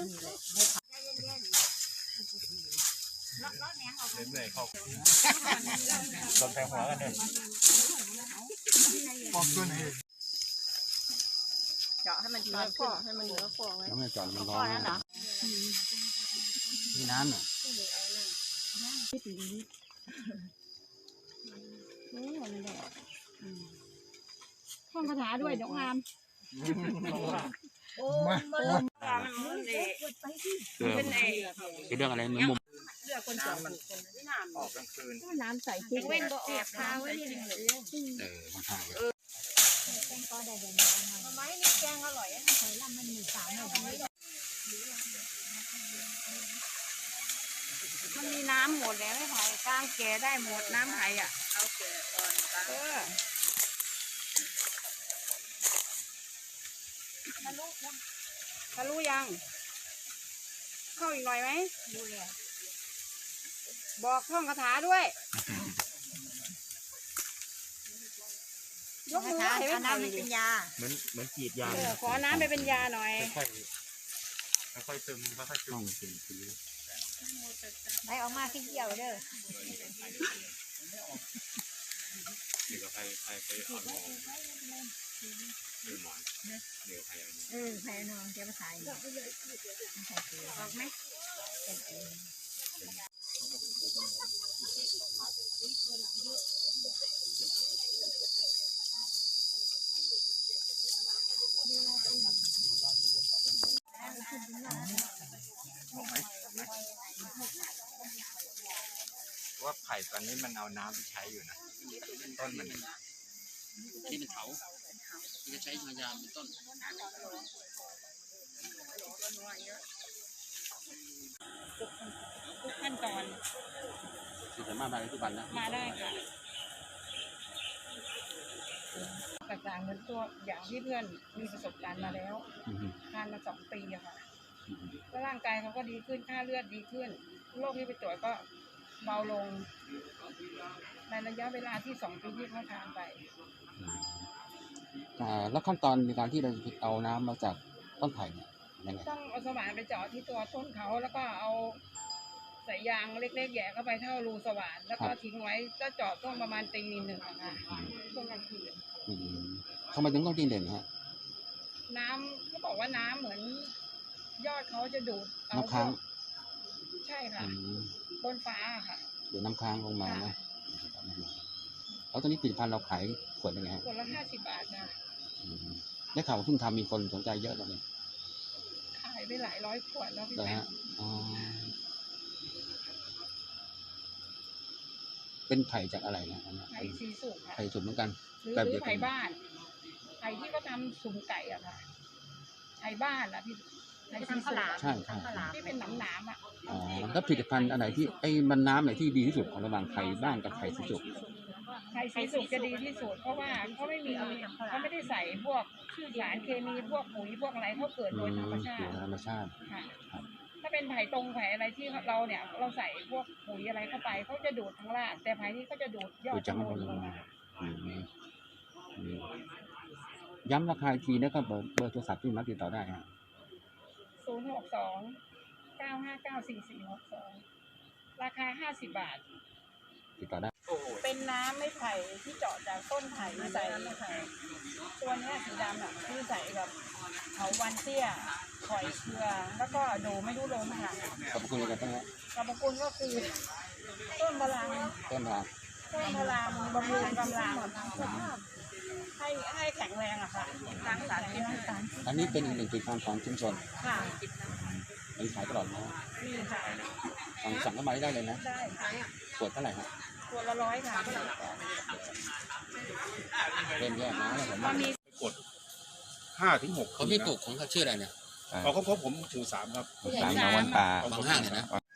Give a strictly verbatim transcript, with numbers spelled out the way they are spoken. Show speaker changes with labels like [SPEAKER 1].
[SPEAKER 1] เล่นเลยเข้าโดนแทงหัวกันเลยปอกตัวไหน
[SPEAKER 2] เจาะให้มันเนื้อฟองให้มันเนื้อฟอง
[SPEAKER 3] แล้วไม่จอดมันร้อนนะมีน้ำเหรอ
[SPEAKER 2] ท่องคาถาด้วยน้องอามโอ้มาลงการมันเป็นไอ้
[SPEAKER 3] เป็นเรื่องอะไรมุม
[SPEAKER 2] เรื่องคนจอดมันน้ำ
[SPEAKER 1] ออกกลางคืน
[SPEAKER 2] น้ำใส่ทิ้งเว้นก็ออกพาไว้นี่
[SPEAKER 3] เออมันห่างเลย
[SPEAKER 2] แกงก็ได้เดี๋ยวมาไม้นี่แกงอร่อยอ่ะใส่ลำมันมีสามหน่อยมันมีน้ำหมดแล้วไม่ไผ่กลางแก่ได้หมดน้ำไผ่อ่ะเอาแก่ก่อนเออทะลุยังทะลุยังเข้าอีกหน่อยไหมดูเลยบอกท่องคาถาด้วยยกมือให้น้ำเป็นยา
[SPEAKER 1] เหมือนเหมือนจีดยา
[SPEAKER 2] ขอน้ำไปเป็นยาหน่อย
[SPEAKER 1] ค่อยค่อยซึมค่อยซึม
[SPEAKER 2] ไหลออกมาขี้เกียวเด้อ
[SPEAKER 1] เดี๋ยวใครใครไปอ่อนมองเดี๋ยวหมอนเดี๋ยวใครเอ
[SPEAKER 2] อใครนอนเจ้าภาษาออกไหม
[SPEAKER 1] ว่าไผ่ตอนนี้มันเอาน้ำไปใช้อยู่นะต้นมัน
[SPEAKER 3] ที่เป็นเขาที่จะใช้มายามเป็นต้น
[SPEAKER 2] ทุกขั้นตอน
[SPEAKER 3] สามารถมาได้ทุกวันนะ
[SPEAKER 2] มาได้ค่ะต่างๆเหมือนตัวอย่างที่เพื่อนมีประสบการณ์มาแล้วทานมาสองปีอะค่ะแล้วร่างกายเขาก็ดีขึ้นค่าเลือดดีขึ้นโรคที่ไปตรวจก็เบาลงในระยะเวลาที่สองปีที่เขาทานไป
[SPEAKER 3] แล้วขั้นตอนในการที่เราเอาน้ำมาจากต้นไผ่เนี่ยยังไง
[SPEAKER 2] ต้องเอาสว่านไปเจาะที่ตัวต้นเขาแล้วก็เอาสายยางเล็กๆแย่เข้าไปเท่ารูสว่านแล้วก็ทิ้งไว้ก็เจาะช่วงประมาณตีหนึ่งอะค่ะช่วงกลางคืน
[SPEAKER 3] ทำไมถึงต้องตีหนึ่งฮะ
[SPEAKER 2] น้ำเขาบอกว่าน้ำเหมือนยอดเขาจะดูด
[SPEAKER 3] น้ำค้าง
[SPEAKER 2] ใช่ค่ะบนฟ้าค่ะ
[SPEAKER 3] ดูดน้ำค้างลงมานะแล้วตอนนี้ผลิตภัณฑ์เราขายขวดยังไง
[SPEAKER 2] ขวดละห้าสิบบาทนะ
[SPEAKER 3] ได้ข่าวว่าเพิ่งทำมีคนสนใจเยอะเลย
[SPEAKER 2] ขายไปหลายร้อยขวดแล้วพี่
[SPEAKER 3] แม่เป็นไผ่จากอะไรนะ
[SPEAKER 2] ไผ่สีสุกค่ะ
[SPEAKER 3] ไผ่สุกเหมือนกัน
[SPEAKER 2] หรือไผ่บ้านไผ่ที่เขาทำสุ่มไก่อะค่ะไผ่บ้านอะพี่ไผ่สีสุก
[SPEAKER 3] ใช่ใช่
[SPEAKER 2] ที่เป็นหนามหนามอะ
[SPEAKER 3] อ๋อแล้วผลิตภัณฑ์อะไรที่ไอ้มันน้ำไหนที่ดีที่สุดของระหว่างไผ่บ้านกับไผ่สีสุก
[SPEAKER 2] ไผ่สีสุกจะดีที่สุดเพราะว่าเขาไม่มีเขาไม่ได้ใส่พวกสารเคมีพวกปุ๋ยพวกอะไรเขาเกิดโดยธรรมชาติ
[SPEAKER 3] ธรรมชาติ
[SPEAKER 2] ถ้าเป็นไผ่ตรงไผ่อะไรที่เราเนี่ยเราใส่พวกปุ๋ยอะไรเข้าไปเขาจะดูดทั้งรากแต่ไผ่นี้เขาจะดูดยอด
[SPEAKER 3] จังลงมาย้ำราคาทีนะครับเบอร์เบอร์โทรศัพท์ที่มาติดต่อได้ฮะ
[SPEAKER 2] ศูนย์หกสองเก้าห้าเก้าสี่สี่หกสองราคาห้าสิบบาท
[SPEAKER 3] ติดต่อได้
[SPEAKER 2] เป็นน้ำไม้ไผ่ที่เจาะจากต้นไผ่มาใส่ตัวนี้สีดำอ่ะคือใส่กับเขาวันเตี้ยข่อยเกลือแล้วก็โดไม่รู้ลมค่ะ
[SPEAKER 3] ขอบคุณอะไรกันบ้างครับ
[SPEAKER 2] ขอบคุณก็คือต้นพลัง
[SPEAKER 3] ต้นพลัง
[SPEAKER 2] ต้นพลังบำรุงกำลังให้ให้แข็งแรงอะค่ะล้างสารพิษ
[SPEAKER 3] อันนี้เป็นอีกหนึ่งผลิตภัณฑ์ของชุมชน
[SPEAKER 2] ค่ะ
[SPEAKER 3] มีขายตลอดนะ
[SPEAKER 2] มีค่ะ
[SPEAKER 3] สั่งสั่งเข้ามาได้เลยนะ
[SPEAKER 2] ได้
[SPEAKER 3] ขวดเท่าไหร่ครับ
[SPEAKER 2] ขวดละร้อยค่ะ
[SPEAKER 3] เริ่มแย่นะแล้วผม
[SPEAKER 1] มีกดห้าถึงหก
[SPEAKER 3] เขาที่ปลูกของเขาชื่ออะไรเนี่ย
[SPEAKER 1] เขาเขาผมชูสามครับ
[SPEAKER 3] สามของวันป่าบางห้างเนี่ยนะ